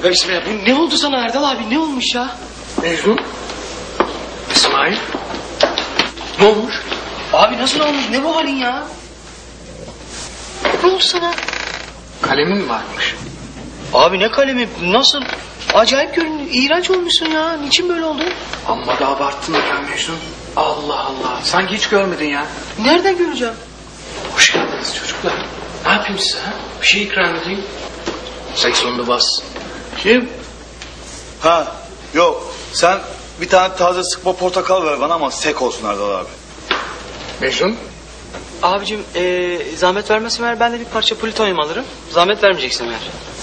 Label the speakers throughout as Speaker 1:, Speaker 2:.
Speaker 1: Tövbe bismillah. Ne oldu sana Erdal abi? Ne olmuş ya?
Speaker 2: Mecnun. İsmail. Ne olmuş?
Speaker 1: Abi nasıl olmuş? Ne bu halin ya? Ne oldu sana?
Speaker 2: Kalemin varmış.
Speaker 1: Abi ne kalemi? Nasıl? Acayip görünüyor. İğrenç olmuşsun ya. Niçin böyle oldu?
Speaker 2: Amma da abarttın ya Mecnun. Allah Allah. Sanki hiç görmedin ya.
Speaker 1: Nereden göreceğim?
Speaker 2: Hoş geldiniz çocuklar. Ne yapayım size ha? Bir şey ikram edeyim. Seksonunu bas.
Speaker 3: Kim? Ha yok. Sen bir tane taze sıkma portakal ver bana ama sek olsun Erdal abi.
Speaker 2: Mecnun.
Speaker 1: Abicim zahmet vermesin eğer ben de bir parça plütonyum alırım. Zahmet vermeyeceksin eğer.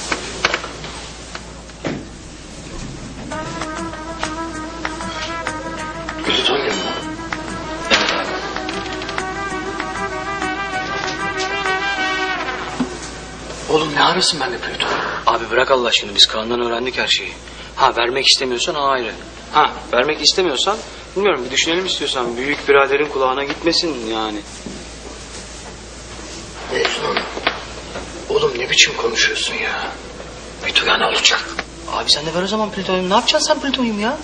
Speaker 2: Plütonyum mu?
Speaker 1: Evet abi.
Speaker 2: Oğlum ne arasın bende plütonyum?
Speaker 1: Abi bırak Allah aşkına biz Kaan'dan öğrendik her şeyi. Ha vermek istemiyorsan ayrı. Ha vermek istemiyorsan bilmiyorum bir düşünelim istiyorsan. Büyük biraderin kulağına gitmesin yani.
Speaker 2: Mecnun. Oğlum ne biçim konuşuyorsun ya? Bir duyan olacak.
Speaker 1: Abi sen de ver o zaman plütonyum. Ne yapacaksın sen plütonyum ya?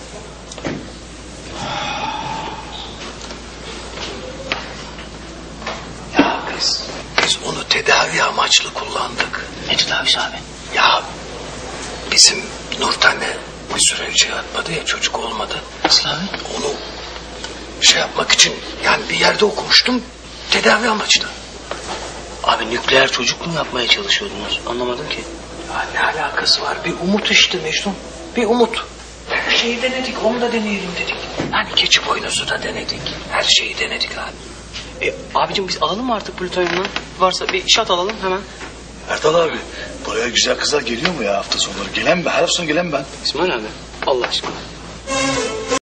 Speaker 2: Ya biz onu tedavi amaçlı kullandık.
Speaker 1: Ne tedavisi abi?
Speaker 2: Ya bizim Nurten'le bir süre önce yatmadı ya, çocuk olmadı.
Speaker 1: Nasıl abi?
Speaker 2: Onu şey yapmak için yani bir yerde okumuştum, tedavi amaçlı.
Speaker 1: Abi nükleer çocuk mu yapmaya çalışıyordunuz? Anlamadım ki.
Speaker 2: Ya ne alakası var? Bir umut işte Mecnun. Bir umut. Her şeyi denedik, onu da deneyelim dedik. Hani keçi boynuzu da denedik. Her şeyi denedik abi.
Speaker 1: Abicim biz alalım mı artık plütonyumdan? Varsa bir şat alalım hemen.
Speaker 3: Erdal abi buraya güzel kızlar geliyor mu ya hafta sonları? Gelen ben. Her hafta sonu gelen ben.
Speaker 1: İsmail abi Allah aşkına.